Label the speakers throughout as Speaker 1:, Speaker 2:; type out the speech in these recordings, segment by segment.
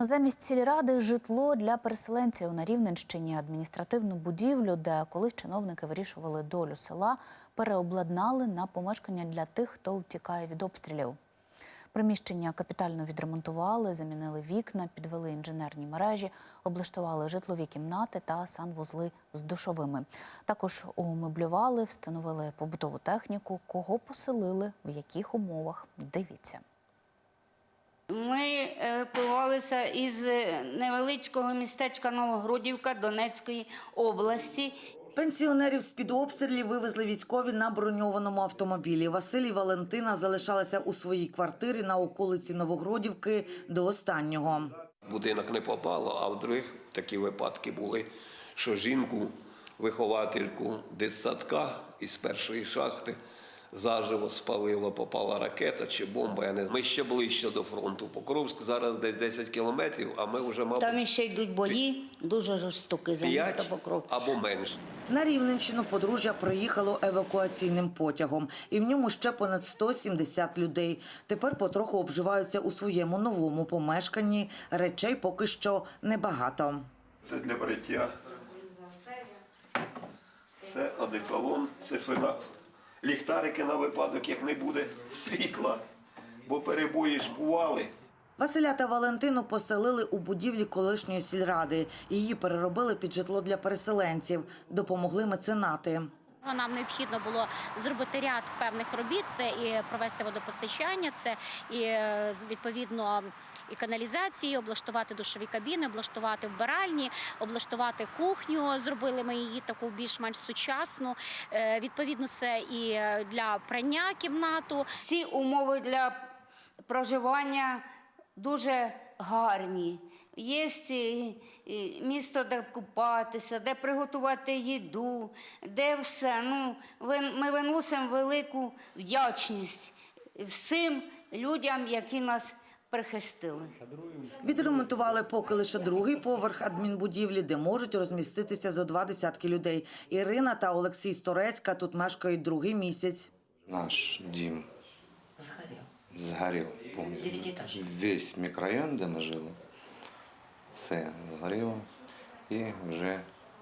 Speaker 1: Замість сільради – житло для переселенців. На Рівненщині адміністративну будівлю, де колись чиновники вирішували долю села, переобладнали на помешкання для тих, хто втікає від обстрілів. Приміщення капітально відремонтували, замінили вікна, підвели інженерні мережі, облаштували житлові кімнати та санвузли з душовими. Також умеблювали, встановили побутову техніку. Кого поселили, в яких умовах – дивіться.
Speaker 2: Ми евакуювалися із невеличкого містечка Новогродівка Донецької області.
Speaker 3: Пенсіонерів з-під обстрілів вивезли військові на броньованому автомобілі. Василь і Валентина залишалися у своїй квартирі на околиці Новогродівки до останнього.
Speaker 4: Будинок не попало, а в других такі випадки були, що жінку, виховательку дитсадка із першої шахти заживо спалило, попала ракета чи бомба. Я не знаю. Ми ще ближче до фронту. Покровськ зараз десь 10 кілометрів, а ми вже, мабуть,
Speaker 2: Там ще йдуть бої, дуже жорстокі за місто
Speaker 4: 5
Speaker 2: Покровськ.
Speaker 4: або менше.
Speaker 3: На Рівненщину подружжя приїхало евакуаційним потягом. І в ньому ще понад 170 людей. Тепер потроху обживаються у своєму новому помешканні. Речей поки що небагато.
Speaker 4: Це для бриття. Це одеколон, це фена. Ліхтарики на випадок, як не буде світла, бо перебої ж бували.
Speaker 3: Василя та Валентину поселили у будівлі колишньої сільради. Її переробили під житло для переселенців. Допомогли меценати.
Speaker 5: Нам необхідно було зробити ряд певних робіт. Це і провести водопостачання, це і, відповідно, і каналізації, облаштувати душові кабіни, облаштувати вбиральні, облаштувати кухню. Зробили ми її таку більш-менш сучасну. Відповідно, це і для прання кімнату.
Speaker 2: Всі умови для проживання дуже гарні. Є місто, де купатися, де приготувати їду, де все. Ми виносимо велику вдячність всім людям, які нас прихистили.
Speaker 3: Відремонтували поки лише другий поверх адмінбудівлі, де можуть розміститися зо 20 людей. Ірина та Олексій з Торецька тут мешкають другий місяць.
Speaker 6: Наш дім згорів повністю. Весь мікрорайон, де ми жили, все згоріло. І вже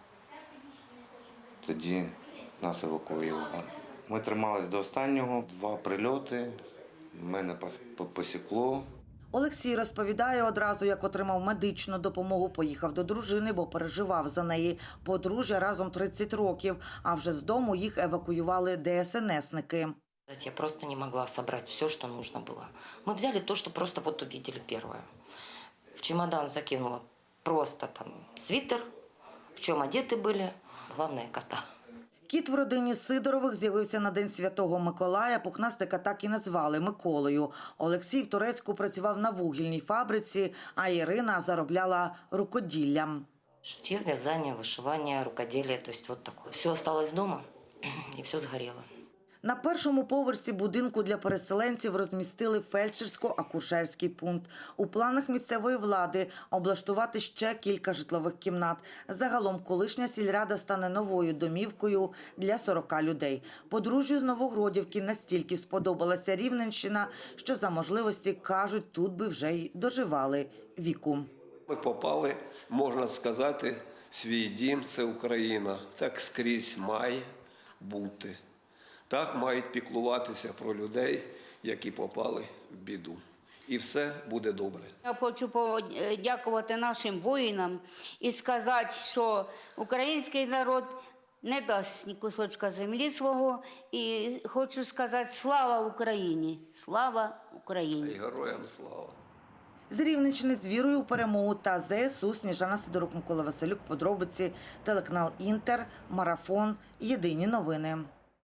Speaker 6: тоді нас евакуювали. Ми трималися до останнього, 2 прильоти, мене посікло.
Speaker 3: Олексій розповідає одразу, як отримав медичну допомогу, поїхав до дружини, бо переживав за неї. Подружжя разом 30 років, а вже з дому їх евакуювали ДСНСники.
Speaker 7: Я просто не могла собрать все, что нужно было. Мы взяли то, что просто вот увидели первое. В чемодан закинула просто там свитер, в чем одеты были, главное кота.
Speaker 3: Кіт в родині Сидорових з'явився на День Святого Миколая. Пухнастика так і назвали – Миколою. Олексій в Торецьку працював на вугільній фабриці, а Ірина заробляла рукоділлям.
Speaker 7: Шитье, вязание, вышивание, рукоделие, то есть вот такое. Все осталось дома и все сгорело.
Speaker 3: На першому поверсі будинку для переселенців розмістили фельдшерсько-акушерський пункт. У планах місцевої влади облаштувати ще кілька житлових кімнат. Загалом колишня сільрада стане новою домівкою для 40 людей. Подружжю з Новогродівки настільки сподобалася Рівненщина, що за можливості, кажуть, тут би вже й доживали віку.
Speaker 4: Ми попали, можна сказати, свій дім – це Україна. Так скрізь має бути. Так мають піклуватися про людей, які попали в біду. І все буде добре.
Speaker 2: Я хочу подякувати нашим воїнам і сказати, що український народ не дасть ні кусочка землі свого. І хочу сказати слава Україні! Слава Україні!
Speaker 4: І героям слава!
Speaker 3: З Рівненщини з вірою у перемогу та ЗСУ. Сніжана Сидорук, Микола Василюк. Подробиці. Телеканал Інтер. Марафон. Єдині новини.